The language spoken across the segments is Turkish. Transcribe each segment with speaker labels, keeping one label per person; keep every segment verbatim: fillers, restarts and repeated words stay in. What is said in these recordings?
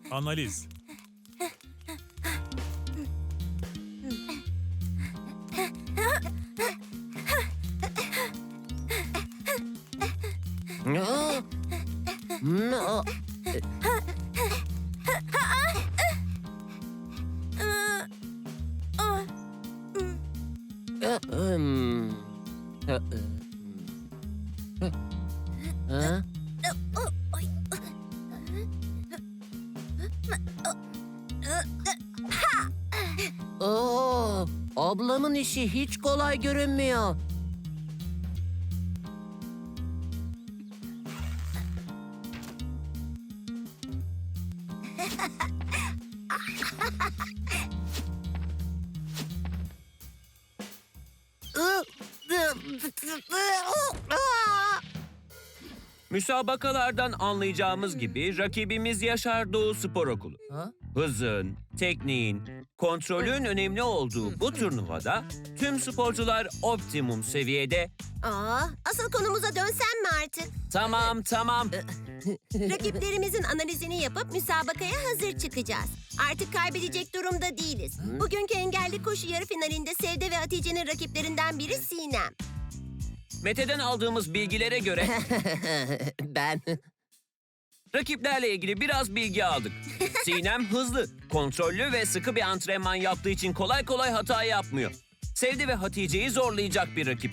Speaker 1: Analiz.
Speaker 2: No. No. Hmm. Ha? Oo, ablamın işi hiç kolay görünmüyor.
Speaker 3: Müsabakalardan anlayacağımız gibi rakibimiz Yaşar Doğu Spor Okulu.
Speaker 2: Ha?
Speaker 3: Hızın, tekniğin, kontrolün önemli olduğu bu turnuvada tüm sporcular optimum seviyede.
Speaker 4: Aa, asıl konumuza dönsem mi artık?
Speaker 3: Tamam tamam.
Speaker 4: Rakiplerimizin analizini yapıp müsabakaya hazır çıkacağız. Artık kaybedecek durumda değiliz. Bugünkü engelli koşu yarı finalinde Sevde ve Hatice'nin rakiplerinden biri Sinem.
Speaker 3: Mete'den aldığımız bilgilere göre
Speaker 2: Ben
Speaker 3: rakiplerle ilgili biraz bilgi aldık. Sinem hızlı, kontrollü ve sıkı bir antrenman yaptığı için kolay kolay hata yapmıyor. Sevde ve Hatice'yi zorlayacak bir rakip.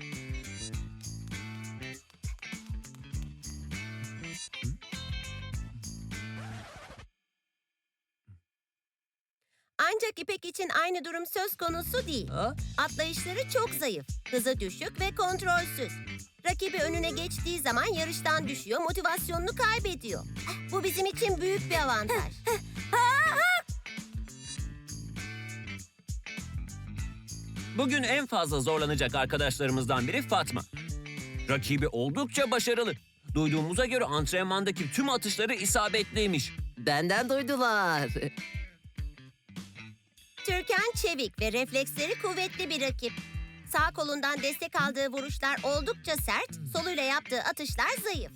Speaker 4: Ancak İpek için aynı durum söz konusu değil.
Speaker 2: Ha?
Speaker 4: Atlayışları çok zayıf, hızı düşük ve kontrolsüz. Rakibi önüne geçtiği zaman yarıştan düşüyor, motivasyonunu kaybediyor. Bu bizim için büyük bir avantaj.
Speaker 3: Bugün en fazla zorlanacak arkadaşlarımızdan biri Fatma. Rakibi oldukça başarılı. Duyduğumuza göre antrenmandaki tüm atışları isabetliymiş.
Speaker 2: benden duydular.
Speaker 4: Türkan çevik ve refleksleri kuvvetli bir rakip. Sağ kolundan destek aldığı vuruşlar oldukça sert, soluyla yaptığı atışlar zayıf.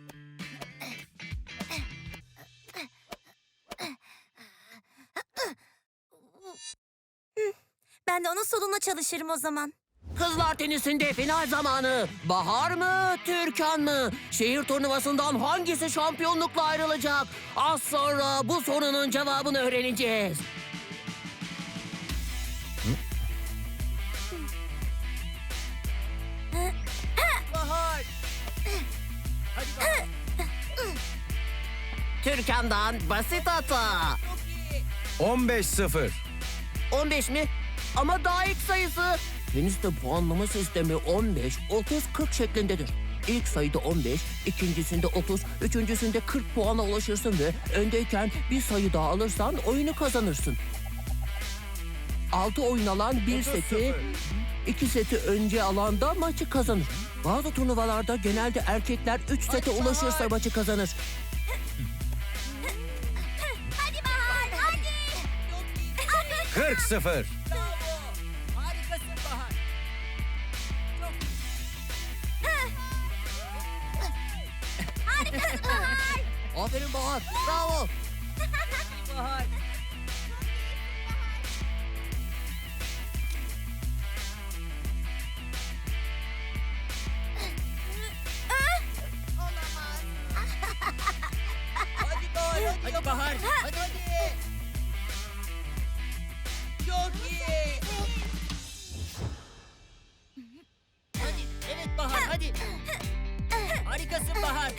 Speaker 4: Ben de onun soluna çalışırım o zaman.
Speaker 2: Kızlar tenisinde final zamanı. Bahar mı, Türkan mı? Şehir turnuvasından hangisi şampiyonlukla ayrılacak? Az sonra bu sorunun cevabını öğreneceğiz.
Speaker 5: Bahar. Hadi Bahar.
Speaker 2: Türkan'dan basit hata.
Speaker 5: Çok iyi.
Speaker 1: on beş sıfır.
Speaker 2: on beş mi? Ama daha ilk sayısı. Teniste puanlama sistemi on beş, otuz, kırk şeklindedir. İlk sayıda on beş, ikincisinde otuz, üçüncüsünde kırk puana ulaşırsın ve öndeyken bir sayı daha alırsan oyunu kazanırsın. Altı oyun alan bir seti, iki seti önce alan da maçı kazanır. Bazı turnuvalarda genelde erkekler üç sete ulaşırsa maçı kazanır.
Speaker 4: Hadi Bahar, hadi!
Speaker 1: kırk sıfır.
Speaker 5: Bravo. Harikasın Bahar. Çok
Speaker 4: Harikasın Bahar!
Speaker 2: Aferin Bahar, bravo.
Speaker 5: iyi Bahar. Hadi Bahar. Hadi, hadi Bahar. Hadi hadi. Çok iyi. Hadi. Evet Bahar hadi. Harikasın Bahar.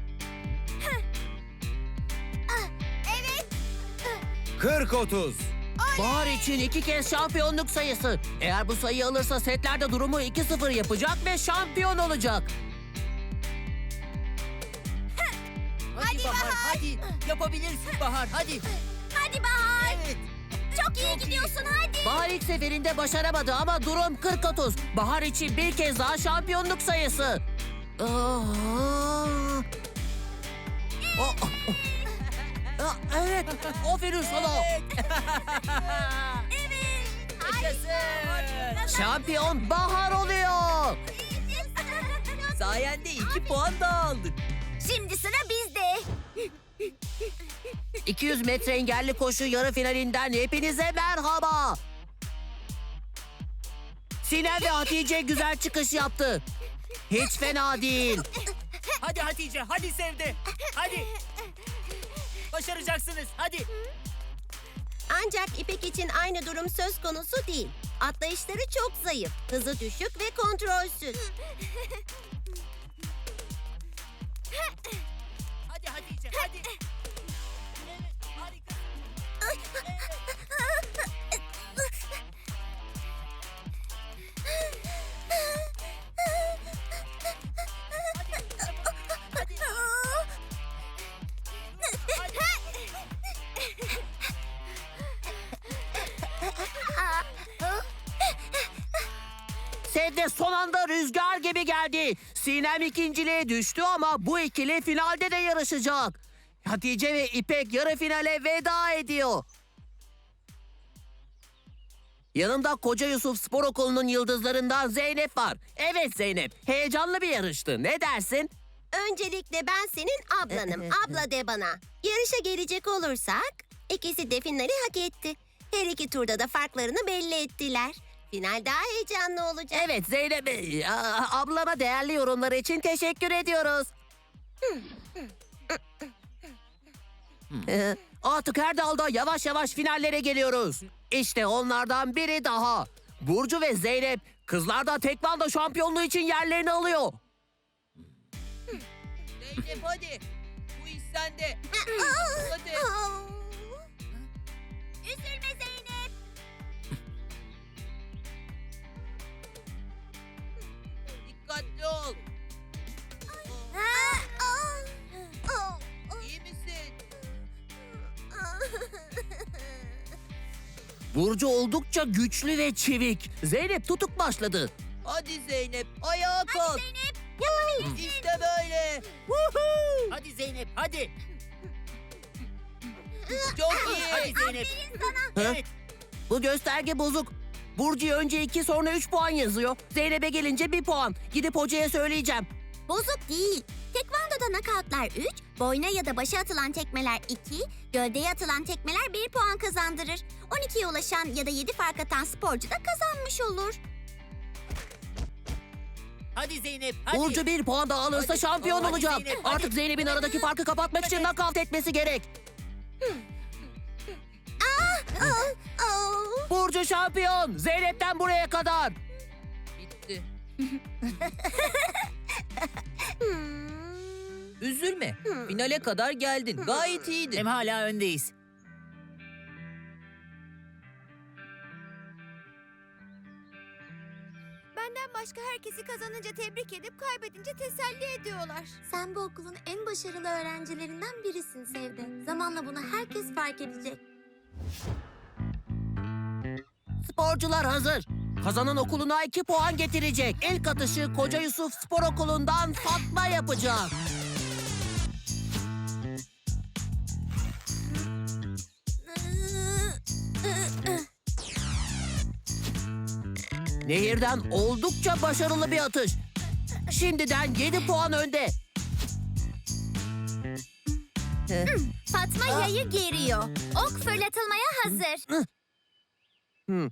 Speaker 1: kırk otuz.
Speaker 2: Bahar için iki kez şampiyonluk sayısı. Eğer bu sayıyı alırsa setlerde durumu iki sıfır yapacak ve şampiyon olacak.
Speaker 5: Hadi, Bahar, hadi. Yapabilirsin Bahar hadi.
Speaker 4: Hadi Bahar!
Speaker 5: Evet.
Speaker 4: Çok iyi gidiyorsun, hadi!
Speaker 2: Bahar ilk seferinde başaramadı ama durum kırk otuz. Bahar için bir kez daha şampiyonluk sayısı. Aa! Aa! Aa, evet, aferin sana.
Speaker 5: Yaşasın.
Speaker 2: Şampiyon Bahar oluyor.
Speaker 5: Sayende iki puan daha aldık.
Speaker 4: Şimdi sıra bizde.
Speaker 2: iki yüz metre engelli koşu yarı finalinden hepinize merhaba. Sinem ve Hatice güzel çıkış yaptı. Hiç fena değil.
Speaker 5: Hadi Hatice, hadi Sevde. Hadi. Başaracaksınız, hadi.
Speaker 4: Ancak İpek için aynı durum söz konusu değil. Atlayışları çok zayıf, hızı düşük ve kontrolsüz.
Speaker 5: Hadi Hatice, hadi. Evet, harika.
Speaker 2: Sevde son anda rüzgar gibi geldi. Sinem ikinciliğe düştü ama bu ikili finalde de yarışacak. Hatice ve İpek yarı finale veda ediyor. Yanımda Koca Yusuf Spor Okulu'nun yıldızlarından Zeynep var. Evet Zeynep, heyecanlı bir yarıştı. Ne dersin?
Speaker 4: Öncelikle ben senin ablanım. Abla de bana. Yarışa gelecek olursak ikisi de finali hak etti. Her iki turda da farklarını belli ettiler. Final daha heyecanlı olacak.
Speaker 2: Evet Zeynep, e, a- ablana değerli yorumları için teşekkür ediyoruz. Ee, Artık her dalda yavaş yavaş finallere geliyoruz. İşte onlardan biri daha. Burcu ve Zeynep kızlarda tekvando şampiyonluğu için yerlerini alıyor.
Speaker 5: Zeynep hadi. Bu iş sende. Hadi.
Speaker 4: Üzülme Zeynep.
Speaker 5: Dikkatli ol. İyi misin?
Speaker 2: Burcu oldukça güçlü ve çevik. Zeynep tutuk başladı.
Speaker 5: Hadi Zeynep, ayağa kalk. İşte böyle. Hadi Zeynep, hadi. Çok iyi. Hadi Zeynep. Evet.
Speaker 2: Bu gösterge bozuk. Burcu'ya önce iki sonra üç puan yazıyor. Zeynep'e gelince bir puan. Gidip hocaya söyleyeceğim.
Speaker 6: Bozuk değil. Tekvandoda nakavtlar üç, boyna ya da başa atılan tekmeler iki, gövdeye atılan tekmeler bir puan kazandırır. on ikiye ulaşan ya da yedi fark atan sporcu da kazanmış olur.
Speaker 5: Hadi Zeynep, hadi.
Speaker 2: Burcu bir puan daha alırsa
Speaker 5: Hadi.
Speaker 2: şampiyon
Speaker 5: Hadi
Speaker 2: olacak.
Speaker 5: Zeynep, hadi.
Speaker 2: Artık Zeynep'in aradaki farkı kapatmak için nakavt etmesi gerek. Burcu şampiyon. Zeynep'ten buraya kadar.
Speaker 5: Bitti. Üzülme. Finale kadar geldin. Gayet iyiydin. Hem hala öndeyiz.
Speaker 6: Benden başka herkesi kazanınca tebrik edip kaybedince teselli ediyorlar. Sen bu okulun en başarılı öğrencilerinden birisin Sevde. Zamanla bunu herkes fark edecek.
Speaker 2: Sporcular hazır. Kazanan okuluna iki puan getirecek. İlk atışı Koca Yusuf Spor Okulu'ndan Fatma yapacak. Nehirden oldukça başarılı bir atış. Şimdiden yedi puan önde.
Speaker 6: Fatma yayı geriyor. Ok fırlatılmaya hazır.
Speaker 2: Hı.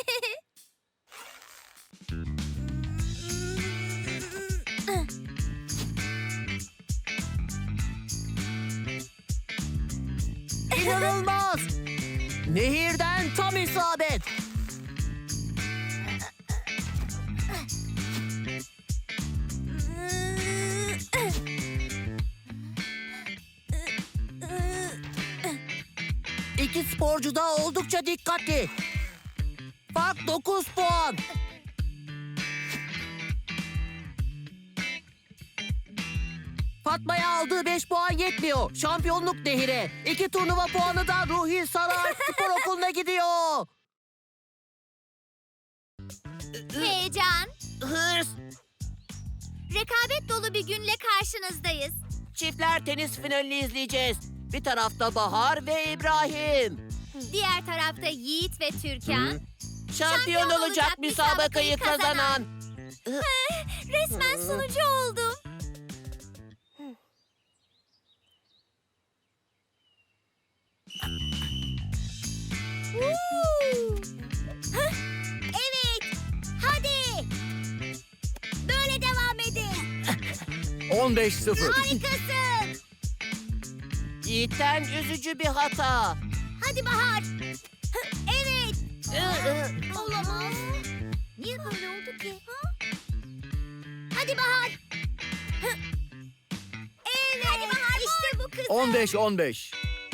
Speaker 2: İnanılmaz. Nehirden tam isabet. İki sporcu da oldukça dikkatli. Fark dokuz puan. Fatma'ya aldığı beş puan yetmiyor. Şampiyonluk Nehir'e. İki turnuva puanı da Ruhi Sarıalp Spor Okulu'na gidiyor.
Speaker 6: Heyecan,
Speaker 2: Hırs.
Speaker 6: rekabet dolu bir günle karşınızdayız.
Speaker 2: Çiftler tenis finalini izleyeceğiz. Bir tarafta Bahar ve İbrahim.
Speaker 6: Diğer tarafta Yiğit ve Türkan.
Speaker 2: Şampiyon olacak müsabakayı kazanan.
Speaker 6: Resmen sunucu oldum. Hah, evet. Hadi. Böyle devam edin.
Speaker 1: on beş sıfır.
Speaker 6: Harikasın.
Speaker 2: Yiğitten üzücü bir hata.
Speaker 6: Hadi Bahar. Hah, evet. Olamaz. Niye böyle oldu ki? Ha? Hadi Bahar. Hah. Evet. Hadi Bahar. İşte bu kız.
Speaker 1: on beş on beş.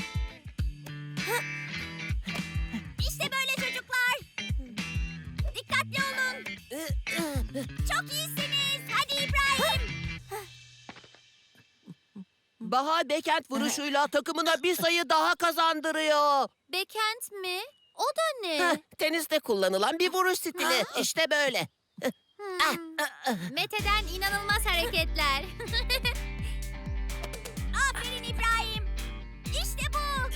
Speaker 6: İşte böyle çocuklar. Dikkatli olun. Çok iyisiniz. Hadi İbrahim.
Speaker 2: Bahar backhand vuruşuyla takımına bir sayı daha kazandırıyor.
Speaker 6: Bekent mi? O da ne?
Speaker 2: Heh, teniste kullanılan bir vuruş stili. İşte böyle.
Speaker 6: Hmm. Mete'den inanılmaz hareketler. Aferin İbrahim. İşte bu.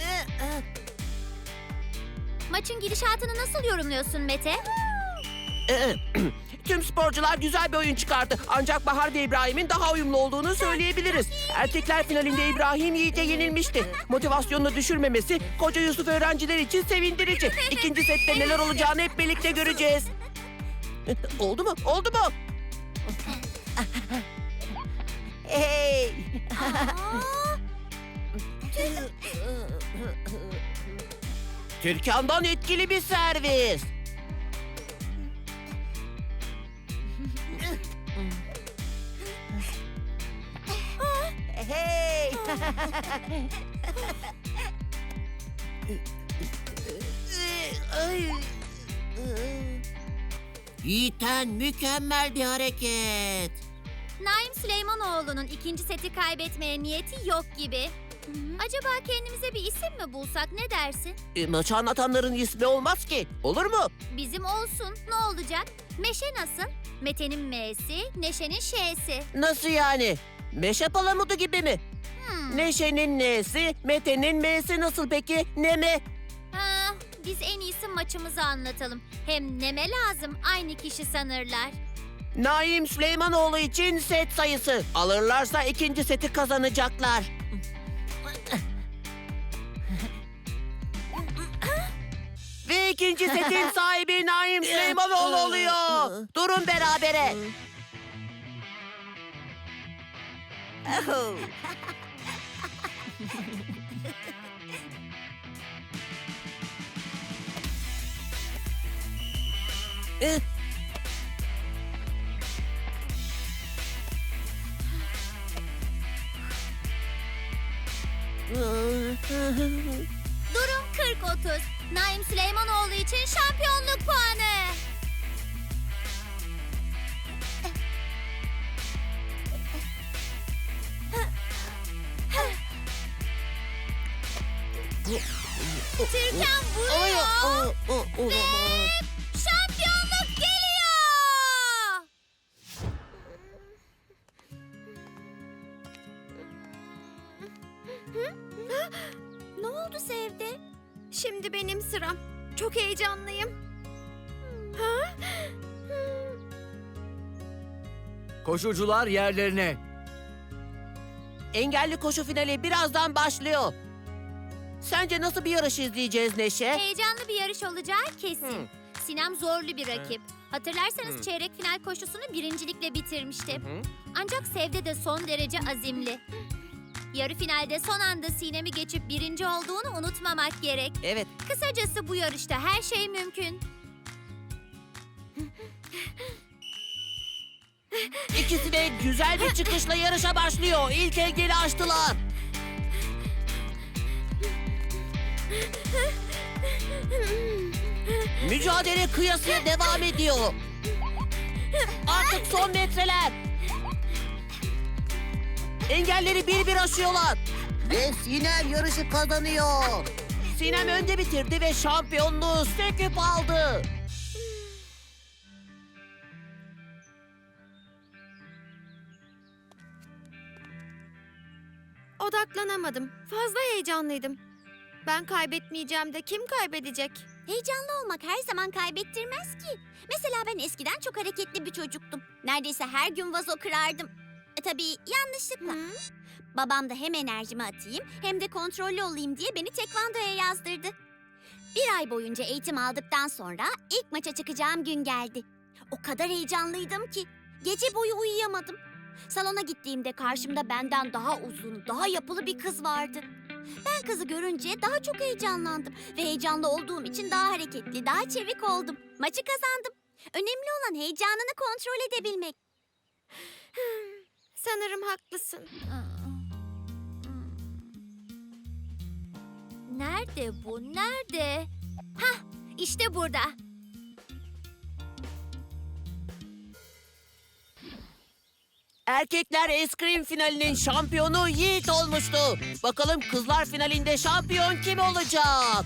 Speaker 6: Maçın gidişatını nasıl yorumluyorsun Mete?
Speaker 2: Tüm sporcular güzel bir oyun çıkardı. Ancak Bahar ve İbrahim'in daha uyumlu olduğunu söyleyebiliriz. Erkekler finalinde İbrahim Yiğit'e yenilmişti. Motivasyonunu düşürmemesi koca Yusuf öğrenciler için sevindirici. İkinci sette neler olacağını hep birlikte göreceğiz. Oldu mu? Oldu mu? Hey! Türkan'dan etkili bir servis. Hey! Yiğiten mükemmel bir hareket.
Speaker 6: Naim Süleymanoğlu'nun ikinci seti kaybetmeye niyeti yok gibi. Acaba kendimize bir isim mi bulsak, ne dersin?
Speaker 2: E, maçı anlatanların ismi olmaz ki. Olur mu?
Speaker 6: Bizim olsun, ne olacak? Meşe nasıl? Mete'nin M'si, Neşe'nin Ş'si.
Speaker 2: Nasıl yani? Meşe palamudu gibi mi?
Speaker 6: Hmm.
Speaker 2: Neşe'nin N'si, Mete'nin M'si nasıl peki? Ne mi?
Speaker 6: Ha, biz en iyisi maçımızı anlatalım. Hem neme lazım, aynı kişi sanırlar.
Speaker 2: Naim Süleymanoğlu için set sayısı. Alırlarsa ikinci seti kazanacaklar. Ve ikinci setin sahibi Naim Süleymanoğlu oluyor. Durun berabere. Eh.
Speaker 6: Durum kırk otuz. Naim Süleymanoğlu için şampiyonluk puanı. Türkan vuruyor. Ve şampiyonluk geliyor. Ne oldu Sevde? Şimdi benim sıram. Çok heyecanlıyım. Ha?
Speaker 1: Koşucular yerlerine.
Speaker 2: Engelli koşu finali birazdan başlıyor. Sence nasıl bir yarış izleyeceğiz Neşe?
Speaker 6: Heyecanlı bir yarış olacağı kesin.
Speaker 2: Hı.
Speaker 6: Sinem zorlu bir rakip. Hatırlarsanız çeyrek final koşusunu birincilikle bitirmişti.
Speaker 2: Hı.
Speaker 6: Ancak Sevde de son derece azimli. Yarı finalde son anda Sinem'i geçip birinci olduğunu unutmamak gerek.
Speaker 2: Evet.
Speaker 6: Kısacası bu yarışta her şey mümkün.
Speaker 2: İkisi de güzel bir çıkışla yarışa başlıyor. İlk engeli aştılar. Mücadele kıyasıya devam ediyor. Artık son metreler. Engelleri bir bir aşıyorlar. Ve Sinem yarışı kazanıyor. Sinem önde bitirdi ve şampiyonluğu söküp aldı.
Speaker 7: Odaklanamadım. Fazla heyecanlıydım. Ben kaybetmeyeceğim de kim kaybedecek?
Speaker 6: Heyecanlı olmak her zaman kaybettirmez ki. Mesela ben eskiden çok hareketli bir çocuktum. Neredeyse her gün vazo kırardım. E, tabii yanlışlıkla. Babam da hem enerjimi atayım hem de kontrollü olayım diye beni tekvandoya yazdırdı. Bir ay boyunca eğitim aldıktan sonra ilk maça çıkacağım gün geldi. O kadar heyecanlıydım ki gece boyu uyuyamadım. Salona gittiğimde karşımda benden daha uzun, daha yapılı bir kız vardı. Ben kızı görünce daha çok heyecanlandım ve heyecanlı olduğum için daha hareketli, daha çevik oldum. Maçı kazandım. Önemli olan heyecanını kontrol edebilmek.
Speaker 7: Sanırım haklısın.
Speaker 6: Nerede bu? Nerede? Hah, işte burada.
Speaker 2: Erkekler eskrim finalinin şampiyonu Yiğit olmuştu. Bakalım kızlar finalinde şampiyon kim olacak?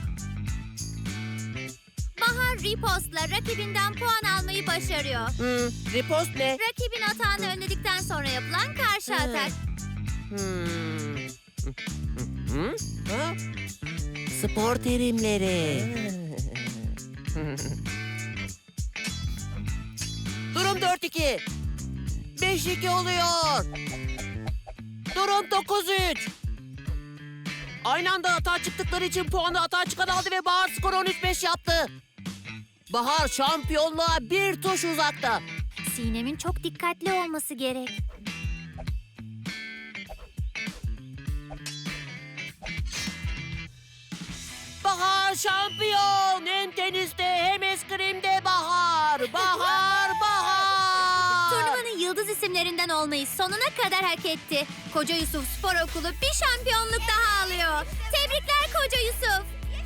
Speaker 6: Bahar ripostla rakibinden puan almayı başarıyor.
Speaker 2: Hmm, ripost ne?
Speaker 6: Rakibin atağını önledikten sonra yapılan karşı atak.
Speaker 2: Hmm. Hı? Ha? Spor terimleri. Durum dört iki. beş iki oluyor. Durum dokuz üç. Aynı anda atağa çıktıkları için puanı atağa çıkan aldı ve Bahar skoru on üç beş yaptı. Bahar şampiyonluğa bir tuş uzakta.
Speaker 6: Sinem'in çok dikkatli olması gerek.
Speaker 2: Bahar şampiyon. Hem teniste hem eskrimde Bahar. Bahar, Bahar.
Speaker 6: Turnuvanın yıldız isimlerinden olmayı sonuna kadar hak etti. Koca Yusuf Spor Okulu bir şampiyonluk daha alıyor. Tebrikler Koca Yusuf.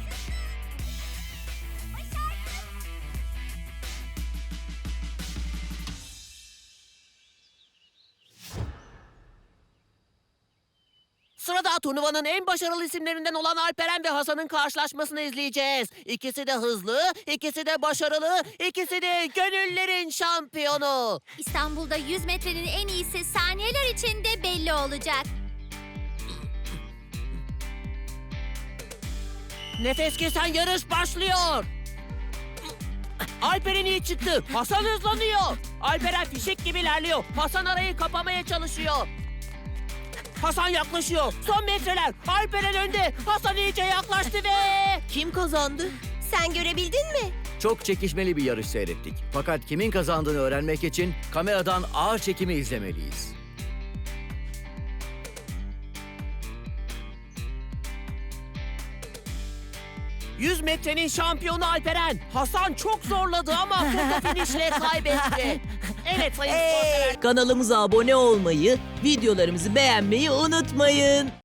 Speaker 2: Sırada turnuvanın en başarılı isimlerinden olan Alperen ve Hasan'ın karşılaşmasını izleyeceğiz. İkisi de hızlı, ikisi de başarılı, ikisi de gönüllerin şampiyonu.
Speaker 6: İstanbul'da yüz metrenin en iyisi saniyeler içinde belli olacak.
Speaker 2: Nefes kesen yarış başlıyor. Alperen iyi çıktı. Hasan hızlanıyor. Alperen fişek gibi ilerliyor. Hasan arayı kapamaya çalışıyor. Hasan yaklaşıyor. Son metreler. Alperen önde. Hasan iyice yaklaştı ve... Kim kazandı?
Speaker 4: Sen görebildin mi?
Speaker 1: Çok çekişmeli bir yarış seyrettik. Fakat kimin kazandığını öğrenmek için kameradan ağır çekimi izlemeliyiz.
Speaker 2: yüz metrenin şampiyonu Alperen. Hasan çok zorladı ama foto finişle kaybetti. Evet sayın sporsever.
Speaker 5: Kanalımıza abone olmayı, videolarımızı beğenmeyi unutmayın.